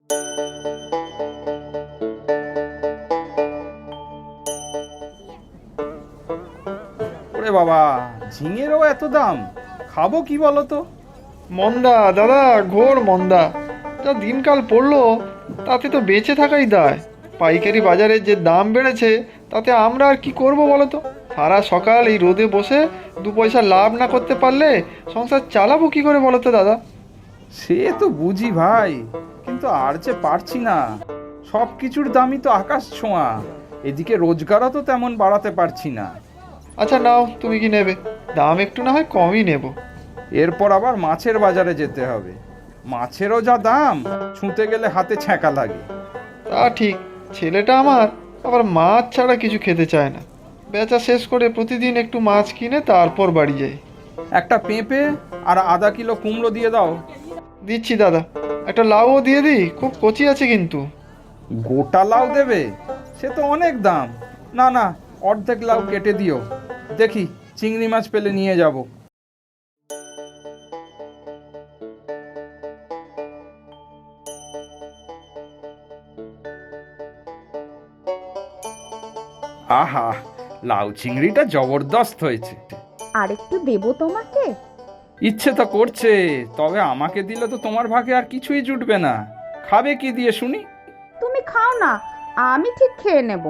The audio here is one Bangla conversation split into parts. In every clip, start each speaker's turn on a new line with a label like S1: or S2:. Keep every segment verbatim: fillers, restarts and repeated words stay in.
S1: ওরে বাবা, ঝিঙেরও এত দাম! খাবো কি বলো তো?
S2: মন্দা দাদা, ঘোর মন্দা। যা দিনকাল পড়লো তাতে তো বেঁচে থাকাই দায়। পাইকারি বাজারে যে দাম বেড়েছে তাতে আমরা আর কি করব বলো তো? সারা সকাল এই রোদে বসে দু পয়সা লাভ না করতে পারলে সংসার চালাবো কি করে বলো তো দাদা?
S1: সে তো বুঝি ভাই, কিন্তু আর যে পারছি না। সব কিছুর দামই তো আকাশ ছোঁয়া, এদিকে রোজগারও তো তেমন বাড়াতে পারছি না।
S2: আচ্ছা নাও, তুমি কি নেবে? দাম একটু না হয় কমই নেব।
S1: এরপর আবার মাছের বাজারে যেতে হবে। মাছেরও যা দাম, ছুঁতে গেলে হাতে ছ্যাঁকা লাগে।
S2: তা ঠিক, ছেলেটা আমার আবার মাছ ছাড়া কিছু খেতে চায় না। বেচা শেষ করে প্রতিদিন একটু মাছ কিনে তারপর বাড়ি যাই।
S1: একটা পেঁপে আর আধা কিলো কুমড়ো দিয়ে দাও।
S2: দিচ্ছি দাদা। একটা লাউও দিয়ে দিই, খুব কচি আছে কিন্তু।
S1: গোটা লাউ দেবে? সে তো অনেক দাম। না না, অর্ধেক লাউ কেটে দিও। দেখি চিংড়ি মাছ পেলে নিয়ে যাব। আহা, লাউ চিংড়িটা জবরদস্ত হয়েছে।
S3: আরেকটু দেবো তোমাকে?
S1: ইচ্ছে তো করছে, তবে আমাকে দিলে তো তোমার ভাগে আর কিছুই জুটবে না। খাবে কি দিয়ে শুনি?
S3: তুমি খাও না, আমি ঠিক খেয়ে নেব।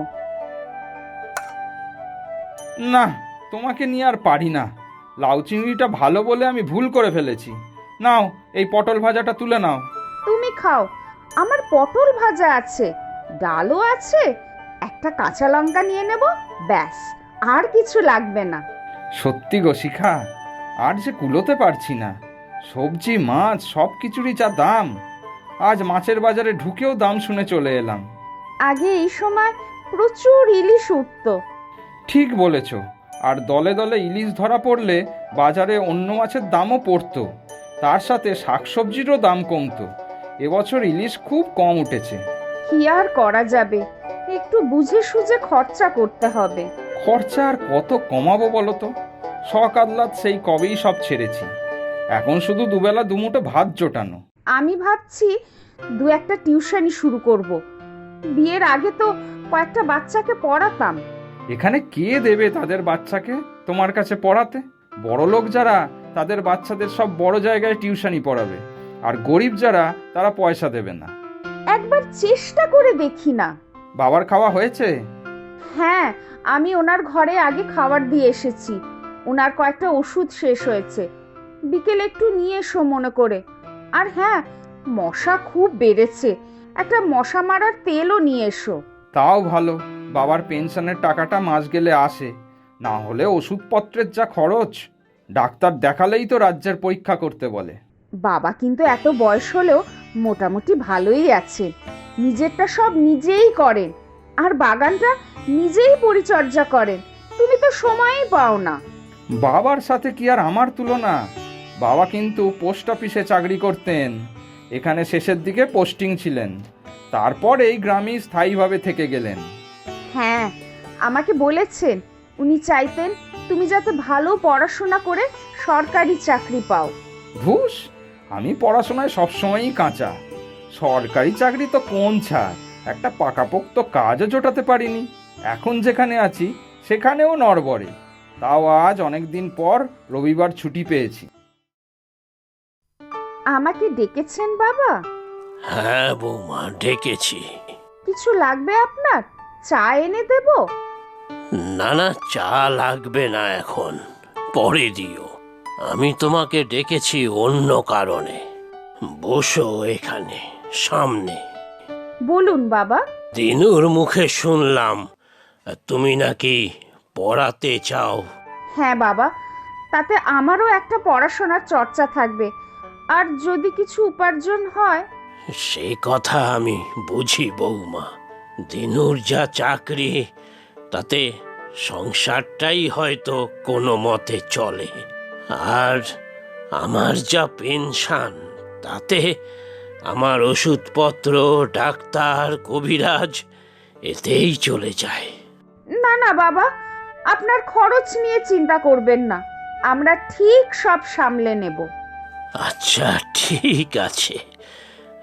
S1: না, তোমাকে নিয়ে আর পারি না। লাউ চিংড়িটা ভালো বলে আমি ভুল করে ফেলেছি। নাও, এই পটল ভাজাটা তুলে নাও।
S3: তুমি খাও, আমার পটল ভাজা আছে, ডালও আছে, একটা কাঁচা লঙ্কা নিয়ে নেব, ব্যাস, আর কিছু লাগবে না।
S1: সত্যি গো শিখা, আর যে কুলোতে পারছি না। সবজি মাছ সব কিছুরই যা দাম। আজ মাছের বাজারে ঢুকেও দাম শুনে চলে এলাম।
S3: আগে এই সময় প্রচুর ইলিশ উঠতো।
S1: ঠিক বলেছ। আর দলে দলে ইলিশ ধরা পড়লে বাজারে অন্য মাছের দামও পড়তো। তার সাথে শাকসবজিরও দাম কমতো। এবছর ইলিশ খুব কম উঠেছে।
S3: কি আর করা যাবে, একটু বুঝে সুঝে খরচা করতে হবে।
S1: খরচা আর কত কমাবো বলো তো? শখ আহ্লাদ সেই কবেই সব ছেড়েছি। এখন শুধু দুবেলা দুমুঠো ভাত জোটানো।
S3: আমি ভাবছি দু একটা টিউশনি শুরু করব। বিয়ের আগে তো কয়েকটা বাচ্চাকে পড়াতাম।
S1: এখানে কে দেবে তাদের বাচ্চাকে তোমার কাছে পড়াতে? বড় লোক যারা, তাদের বাচ্চাদের সব বড় জায়গায় টিউশনি পড়াবে, আর গরিব যারা, তারা পয়সা দেবে না।
S3: একবার চেষ্টা করে দেখি না?
S1: বাবার খাওয়া হয়েছে?
S3: হ্যাঁ, আমি ওনার ঘরে আগে খাবার দিয়ে এসেছি। ওনার কয়েকটা ওষুধ শেষ হয়েছে, বিকেলে একটু নিয়ে এসো মনে করে। আর হ্যাঁ, মশা খুব বেড়েছে, একটা মশা মারার তেলও নিয়ে এসো।
S1: তাও ভালো, বাবার পেনশনের টাকাটা মাস গেলে আসে। না হলে ওষুধপত্রের যা খরচ! ডাক্তার দেখালেই তো রাজ্যের পরীক্ষা করতে বলে।
S3: বাবা কিন্তু এত বয়স হলেও মোটামুটি ভালোই আছে, নিজেরটা সব নিজেই করেন, আর বাগানটা নিজেই পরিচর্যা করেন। তুমি তো সময়ই পাও না।
S1: বাবার সাথে কি আর আমার তুলনা? বাবা কিন্তু পোস্ট অফিসে চাকরি করতেন। এখানে শেষের দিকে পোস্টিং ছিলেন, তারপর এই গ্রামেই স্থায়ীভাবে থেকে গেলেন।
S3: হ্যাঁ, আমাকে বলেছেন উনি চাইতেন তুমি যাতে ভালো পড়াশোনা করে সরকারি চাকরি পাও।
S1: ধুস, আমি পড়াশোনায় সবসময়ই কাঁচা। সরকারি চাকরি তো কোন ছাড়, একটা পাকাপোক্ত কাজও জোটাতে পারিনি। এখন যেখানে আছি সেখানেও নড়বড়ে। তাও আজ অনেক দিন পর রবিবার ছুটি পেয়েছি।
S3: আমাকে ডেকেছেন বাবা?
S4: হ্যাঁ বৌমা, ডেকেছি।
S3: কিছু লাগবে আপনার? চা এনে দেব?
S4: না না, চা লাগবে না এখন, পরে দিও। আমি তোমাকে ডেকেছি অন্য কারণে। বসো এখানে সামনে।
S3: বলুন বাবা।
S4: দিনুর মুখে শুনলাম তুমি নাকি পড়াতে চাও।
S3: হ্যাঁ বাবা, তাতে আমারও একটা পড়াশোনার চর্চা থাকবে, আর যদি কিছু উপার্জন হয়।
S4: সে কথা আমি বুঝি বৌমা। দিনুর যা চাকরি, তাতে সংসারটাই হয়তো কোনো মতে চলে। আর আমার যা পেনশন, তাতে আমার ওষুধপত্র, ডাক্তার, কবিরাজ এতেই চলে যায়।
S3: না না বাবা, আপনার খরচ নিয়ে চিন্তা করবেন না, আমরা ঠিক সব সামলে নেব।
S4: আচ্ছা ঠিক আছে,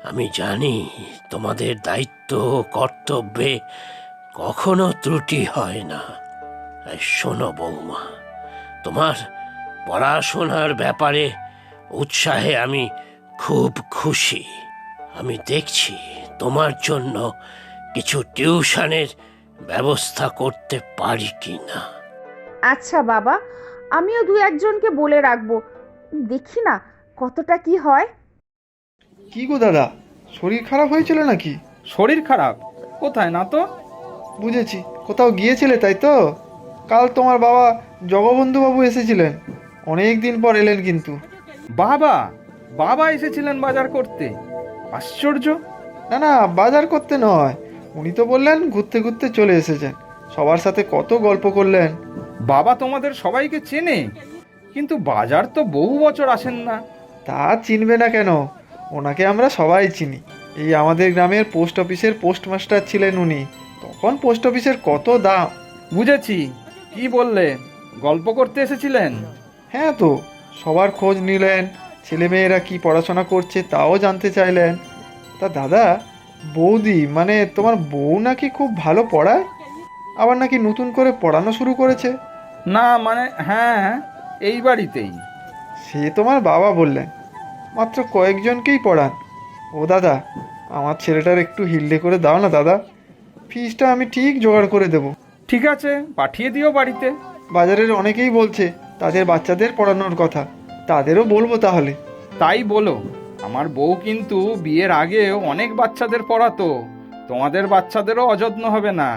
S4: আমি জানি তোমাদের দায়িত্ব ও কর্তব্যে কখনো ত্রুটি হয় না। এই শোনো বৌমা, তোমার পড়াশোনার ব্যাপারে উৎসাহে আমি খুব খুশি। আমি দেখছি তোমার জন্য কিছু টিউশনের ব্যবস্থা করতে পারি কি না।
S3: আচ্ছা বাবা, আমিও দু একজনকে বলে রাখবো, দেখি না কতটা কি হয়।
S2: কি গো দাদা, শরীর খারাপ হয়েছিল নাকি?
S1: শরীর খারাপ? কোথায় না তো।
S2: বুঝেছি, কোথাও গিয়েছিলে তাই তো। কাল তোমার বাবা জগবন্ধুবাবু এসেছিলেন, অনেক দিন পর এলেন কিন্তু।
S1: বাবা বাবা এসেছিলেন বাজার করতে? আশ্চর্য।
S2: না না, বাজার করতে নয়, উনি তো বললেন ঘুরতে ঘুরতে চলে এসেছেন। সবার সাথে কত গল্প করলেন।
S1: বাবা তোমাদের সবাইকে চেনে, কিন্তু বাজার তো বহু বছর আসেন না।
S2: তা চিনবে না কেন, ওনাকে আমরা সবাই চিনি। এই আমাদের গ্রামের পোস্ট অফিসের পোস্টমাস্টার ছিলেন উনি। তখন পোস্ট অফিসের কত দাম।
S1: বুঝেছি, কি বললে, গল্প করতে এসেছিলেন?
S2: হ্যাঁ তো, সবার খোঁজ নিলেন, ছেলেমেয়েরা কি পড়াশোনা করছে তাও জানতে চাইলেন। তা দাদা, বৌদি মানে তোমার বউ নাকি খুব ভালো পড়ায়, আবার নাকি নতুন করে পড়ানো শুরু করেছে।
S1: না মানে হ্যাঁ, এই বাড়িতেই।
S2: সে তোমার বাবা বললেন, মাত্র কয়েকজনকেই পড়ান। ও দাদা, আমার ছেলেটার একটু হিল্ডে করে দাও না দাদা, ফিসটা আমি ঠিক জোগাড় করে দেব।
S1: ঠিক আছে, পাঠিয়ে দিও বাড়িতে।
S2: বাজারের অনেকেই বলছে তাদের বাচ্চাদের পড়ানোর কথা, তাদেরও বলবো তাহলে।
S1: তাই বলো, আমার বউ কিন্তু বিয়ের আগে অনেক বাচ্চাদের পড়াতো, তোমাদের বাচ্চাদেরও অযত্ন হবে না।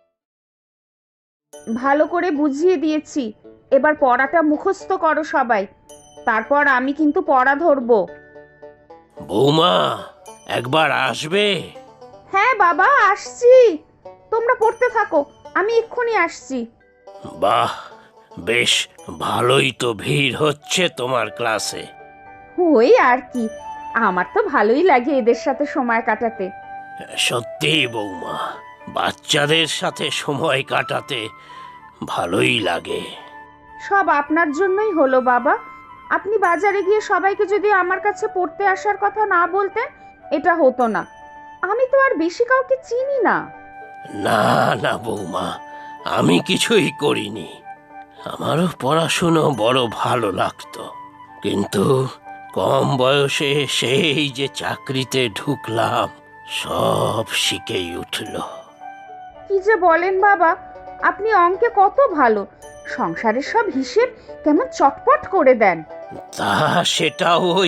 S3: ভালো করে বুঝিয়ে দিয়েছি, এবার পড়াটা মুখস্থ করো সবাই, তারপর আমি কিন্তু পড়া ধরবো।
S4: বৌমা, একবার আসবে?
S3: হ্যাঁ বাবা, আসছি, তোমরা পড়তে থাকো, আমি এক্ষুনি আসছি।
S4: বাহ, বেশ ভালোই তো ভিড় হচ্ছে তোমার ক্লাসে।
S3: ওই আর কি, আমার তো ভালোই লাগে এদের সাথে সময় কাটাতে।
S4: সত্যিই বৌমা, বাচ্চাদের সাথে সময় কাটাতে ভালোই লাগে।
S3: সব আপনার জন্যই হলো বাবা। আপনি বাজারে গিয়ে সবাইকে যদি আমার কাছে পড়তে আসার কথা না বলতেন, এটা হতো না। আমি তো আর বেশি কাউকে চিনি না।
S4: না না বৌমা, আমি কিছুই করিনি। আমারও পড়াশুনো বড় ভালো লাগতো, কিন্তু কম বয়সে সেই যে চাকরিতে ঢুকলাম, সব শিখেই উঠল।
S3: কি যে বলেন বাবা, আপনি অঙ্কে কত ভালো, সংসারের সব হিসেব কেমন চটপট করে দেন।
S4: তা সেটা ওই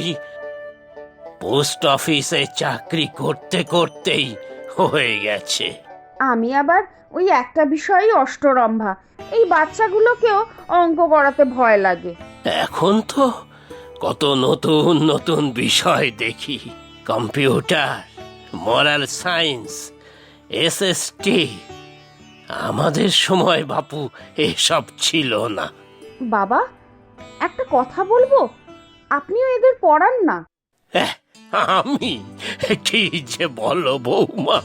S4: পোস্ট অফিসে চাকরি করতে করতেই হয়ে গেছে।
S3: আমি আবার ওই একটা বিষয়ই অষ্টরম্ভা, এই বাচ্চাগুলোকেও অঙ্ক করাতে ভয় লাগে।
S4: এখন তো কত নতুন নতুন বিষয় দেখি, কম্পিউটার, মোরাল সায়েন্স, এসএসটি। আমাদের সময় বাপু এসব ছিল না।
S3: বাবা, একটা কথা বলবো, আপনিও এদের পড়ান না?
S4: এহ, আমি কি যে বলো বৌমা,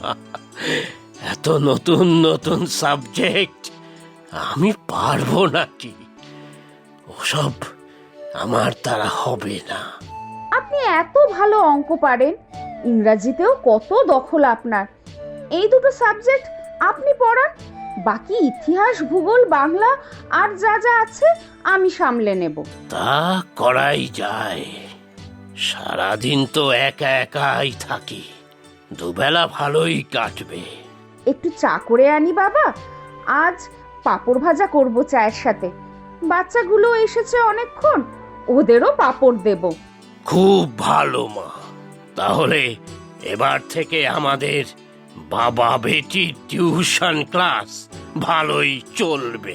S4: এত নতুন নতুন সাবজেক্ট আমি পারবো নাকি? ওসব আমার দ্বারা হবে না।
S3: আপনি এত ভালো অঙ্ক পারেন, ইংরাজিতেও কত দখল আপনার, এই দুটো সাবজেক্ট আপনি পড়ান, বাকি ইতিহাস, ভূগোল, বাংলা আর যা যা আছে আমি সামলে নেব।
S4: তা করাই যায়। সারাদিন তো একা একাই থাকি, দুবেলা ভালোই কাটবে।
S3: একটু চা করে আনি বাবা, আজ পাঁপড় ভাজা করব চায়ের সাথে, বাচ্চাগুলো এসেছে অনেকক্ষণ, ওদেরও পাঁপড় দেব।
S4: খুব ভালো মা, তাহলে এবার থেকে আমাদের বাবা বেটি টিউশন ক্লাস ভালোই চলবে।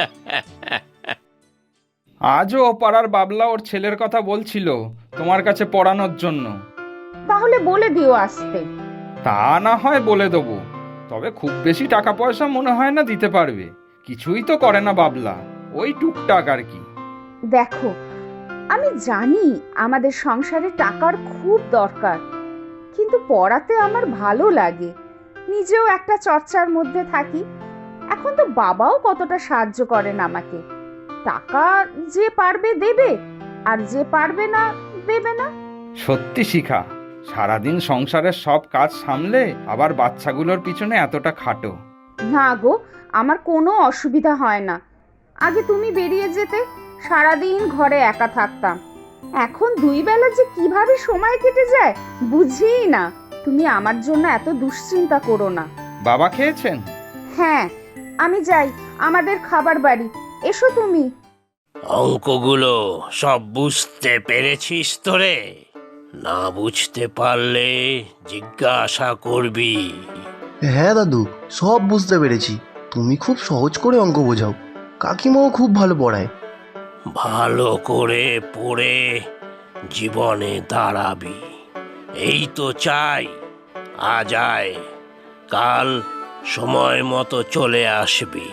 S1: আজও পাড়ার বাবলা ওর ছেলের কথা বলছিল তোমার কাছে পড়ানোর জন্য।
S3: তাহলে বলে দিও আসতে।
S1: তা না হয় বলে দেবো, তবে খুব বেশি টাকা পয়সা মনে হয় না দিতে পারবে, কিছুই তো করে না বাবলা, ওই টুকটাক আর কি।
S3: দেখো, আমি জানি আমাদের সংসারে টাকার খুব দরকার, কিন্তু পড়াতে আমার ভালো লাগে, নিজেও একটা চর্চার মধ্যে থাকি। এখন তো বাবাও কতটা সাহায্য করেন আমাকে, টাকা যে পারবে দেবে, আর যে পারবে না দেবে না।
S1: সত্যি শিখা, সারাদিন সংসারের সব কাজ সামলে আবার বাচ্চাগুলোর পিছনে এতটা খাটো।
S3: না গো, আমার কোনো অসুবিধা হয় না। আগে তুমি বেরিয়ে যেতে, সারাদিন ঘরে একা থাকতাম। এখন দুই বেলা যে কিভাবে সময় কেটে যায় বুঝিই না। তুমি আমার জন্য এত দুশ্চিন্তা করো না।
S1: বাবা খেয়েছেন?
S3: হ্যাঁ, আমি যাই আমাদের খাবার বাড়ি। এসো তুমি।
S4: অঙ্কগুলো সব বুঝতে পেরেছিস তো রে? না বুঝতে পারলে জিজ্ঞাসা করবি।
S5: হ্যাঁ দাদু, সব বুঝতে পেরেছি। তুমি খুব সহজ করে অঙ্ক বোঝাও। কাকিমাও খুব ভালো পড়ায়।
S4: ভালো করে পড়ে জীবনে দাঁড়াবি, এই তো চাই। আজ আয়, কাল সময় মতো চলে আসবি।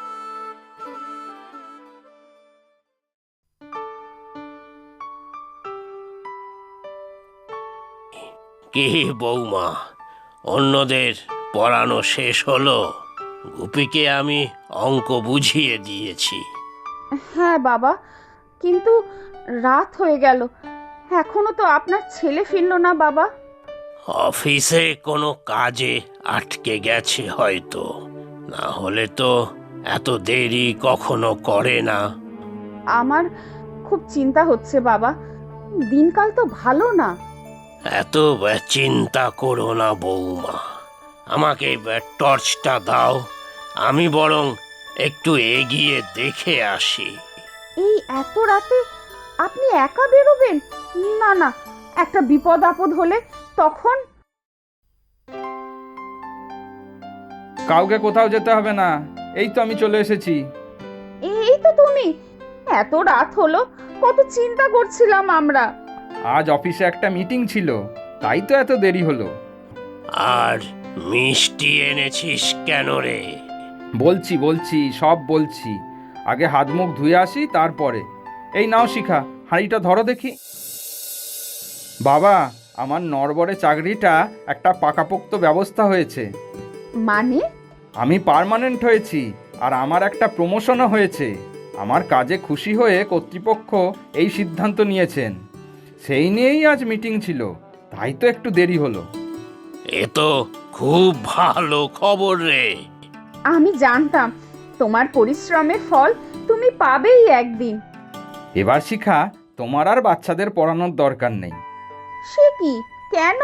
S4: কি বৌমা, অন্যদের পড়ানো শেষ হলো? গুপিকে আমি অঙ্ক বুঝিয়ে দিয়েছি।
S3: হ্যাঁ বাবা, কিন্তু রাত হয়ে গেল, এখনো তো আপনার ছেলে ফিরলো না বাবা।
S4: অফিসে কোনো কাজে আটকে গেছে হয়তো, না হলে তো এত দেরি কখনো করে না।
S3: আমার খুব চিন্তা হচ্ছে বাবা, দিনকাল তো ভালো না।
S4: এত চিন্তা করো না বৌমা, আমাকে টর্চটা দাও, আমি বরং একটু এগিয়ে দেখে আসি।
S3: এই এত রাতে আপনি একা বেরোবেন? না না, একটা বিপদ আপদ হলে তখন।
S1: কাউকে কোথাও যেতে হবে না, এই তো আমি চলে এসেছি।
S3: এই তো তুমি, এত রাত হলো, কত চিন্তা করছিলাম আমরা।
S1: আজ অফিসে একটা মিটিং ছিল, তাই তো এত দেরি হলো।
S4: আর মিষ্টি এনেছিস কেন রে?
S1: বলছি বলছি সব বলছি, আগে হাত মুখ ধুয়ে আসি তারপরে। এই নাও শিখা, হাঁড়িটা ধরো দেখি। বাবা, আমার নড়বড়ে চাকরিটা একটা পাকাপোক্ত ব্যবস্থা হয়েছে।
S3: মানে?
S1: আমি পার্মানেন্ট হয়েছি, আর আমার একটা প্রমোশনও হয়েছে। আমার কাজে খুশি হয়ে কর্তৃপক্ষ এই সিদ্ধান্ত নিয়েছেন, সেই নিয়েই আজ মিটিং ছিল, তাই তো একটু দেরি হলো।
S4: এ তো খুব ভালো খবর রে।
S3: আমি জানতাম তোমার পরিশ্রমের ফল তুমি পাবেই একদিন।
S1: এবার শিখা, তোমার আর বাচ্চাদের পড়ানোর দরকার নেই।
S3: সে কি, কেন?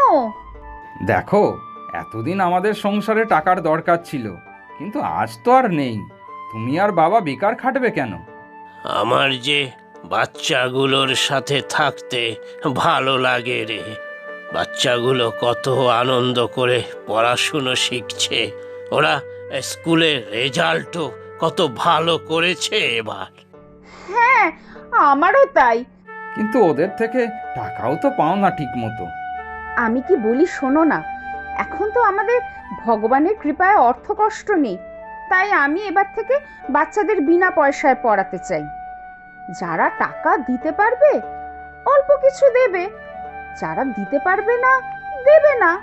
S1: দেখো, এতদিন আমাদের সংসারে টাকার দরকার ছিল, কিন্তু আজ তো আর নেই। তুমি আর বাবা বেকার খাটবে কেন?
S4: আমার যে বাচ্চাগুলোর সাথে থাকতে ভালো লাগে রে। বাচ্চাগুলো কত আনন্দ করে পড়াশুনো শিখছে, ওরা স্কুলের রেজাল্টও কত ভালো করেছে এবার।
S3: হ্যাঁ, আমারও তাই।
S1: কিন্তু ওদের থেকে টাকাও তো পাও না ঠিক মতো।
S3: আমি কি বলি শোনো না, এখন তো আমাদের ভগবানের কৃপায় অর্থ কষ্ট নেই, তাই আমি এবার থেকে বাচ্চাদের বিনা পয়সায় পড়াতে চাই। যারা টাকা দিতে পারবে অল্প কিছু দেবে, যারা দিতে পারবে না দেবে না।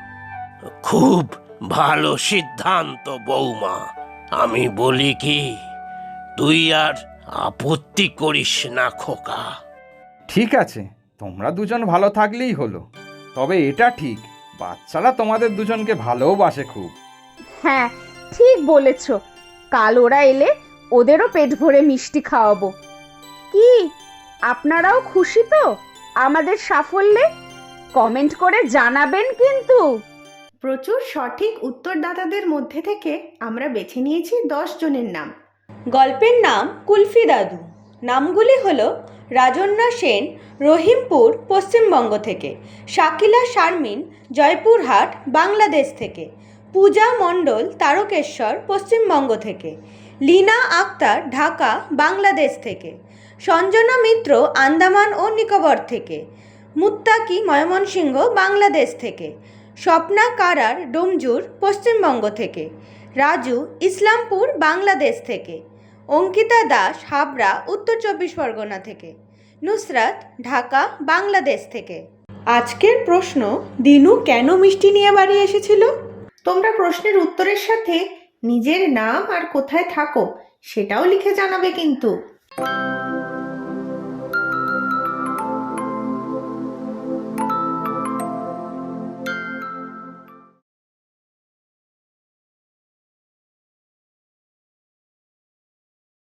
S4: খুব ভালো সিদ্ধান্ত বৌমা। আমি বলি কি, তুই আর আপত্তি করিস না খোকা।
S1: ঠিক আছে, তোমরা দুজন ভালো থাকলেই হলো। তবে এটা ঠিক, বাচ্চারা তোমাদের দুজনকে ভালোবাসে খুব।
S3: হ্যাঁ, ঠিক বলেছ। কাল ওরা এলে ওদেরও পেট ভরে মিষ্টি খাওয়াবো। কি, আপনারাও খুশি তো আমাদের সাফল্যে? কমেন্ট করে জানাবেন কিন্তু।
S6: প্রচুর সঠিক উত্তরদাতাদের মধ্যে থেকে আমরা বেছে নিয়েছি দশ জনের নাম।
S7: গল্পের নাম কুলফি দাদু। নামগুলি হলো রাজন্যা সেন, রহিমপুর, পশ্চিমবঙ্গ থেকে; শাকিলা শারমিন, জয়পুরহাট, বাংলাদেশ থেকে; পূজা মণ্ডল, তারকেশ্বর, পশ্চিমবঙ্গ থেকে; লীনা আক্তার, ঢাকা, বাংলাদেশ থেকে; সঞ্জনা মিত্র, আন্দামান ও নিকোবর থেকে; মুত্তাকি, ময়মনসিংহ, বাংলাদেশ থেকে; স্বপ্না কারার, ডোমজুর, পশ্চিমবঙ্গ থেকে; রাজু, ইসলামপুর, বাংলাদেশ থেকে; অঙ্কিতা দাস, হাবড়া, উত্তর চব্বিশ পরগনা থেকে; নুসরাত, ঢাকা, বাংলাদেশ থেকে। আজকের প্রশ্ন, দিনু কেন মিষ্টি নিয়ে বাড়ি এসেছিল?
S6: তোমরা প্রশ্নের উত্তরের সাথে নিজের নাম আর কোথায় থাকো সেটাও লিখে জানাবে কিন্তু।